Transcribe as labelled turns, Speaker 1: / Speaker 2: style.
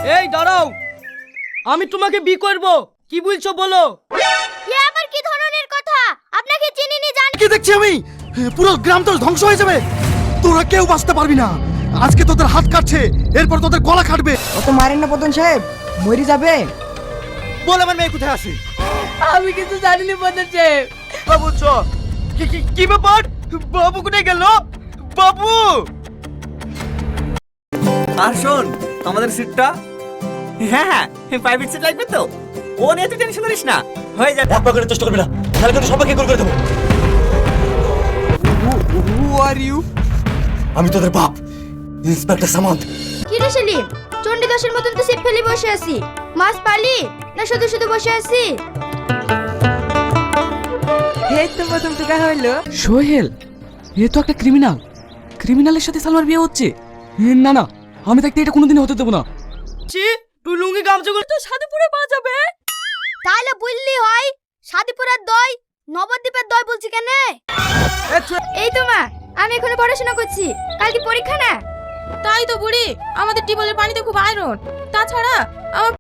Speaker 1: এই দাঁড়াও, আমি তোমাকে বিয়ে করব, কি বলছো বলো?
Speaker 2: এ আবার কি ধরনের কথা? আপনাকে চিনিনি জানি।
Speaker 3: কি দেখছি আমি? পুরো গ্রাম তো ধ্বংস হয়ে যাবে। তোরা কেউ বাঁচতে পারবি না। আজকে তোদের হাত কাটছে, এরপর তোদের গলা কাটবে।
Speaker 4: অত মারেন না প্রধান সাহেব, মরে যাবে।
Speaker 3: বল আমার মেয়ে কোথায় আছে?
Speaker 4: আমি কিছু জানি না প্রধান সাহেব।
Speaker 3: বাবু চ। কি ব্যাপার? বাবু কোথায় গেল? বাবু!
Speaker 5: আর শোন, আমাদের সিটটা, হ্যাঁ প্রাইভেট সিট লাগবে তো, ও নিয়ে তুই টেনশন করিস না, হয়ে যাবে।
Speaker 3: এক পাকের চেষ্টা করবি না, তাহলে কিন্তু সবাইকে কল করে দেবো।
Speaker 5: Who are you?
Speaker 3: আমি তোদের বাপ, ইন্সপেক্টর সামন্ত।
Speaker 2: কি রে সেলিম, চণ্ডীদাসের মতন তো সিপ ফেলে বসে আছি। মাছ পালি না শুধু শুধু বসে আছি?
Speaker 4: এই তো প্রথম টাকা হইলো।
Speaker 6: সোহেল, এ তো একটা ক্রিমিনাল। ক্রিমিনালের সাথে সালমার বিয়ে হচ্ছে। না না, আমি থাকতে এটা কোনোদিন হতে দেবো না।
Speaker 1: তুই লুঙ্গি গামছা করে তো সাধুপুরে পাওয়া যাবে।
Speaker 2: তাহলে বললি হয়, সাদিপুরের দই নবদ্বীপের দই বলছি কেন? এই তো মা, আমি এখনো পড়াশোনা করছি, কালকে পরীক্ষা না।
Speaker 7: তাই তো বুড়ি, আমাদের টিউবওয়েলের পানিতে খুব আয়রন। তাছাড়া আমার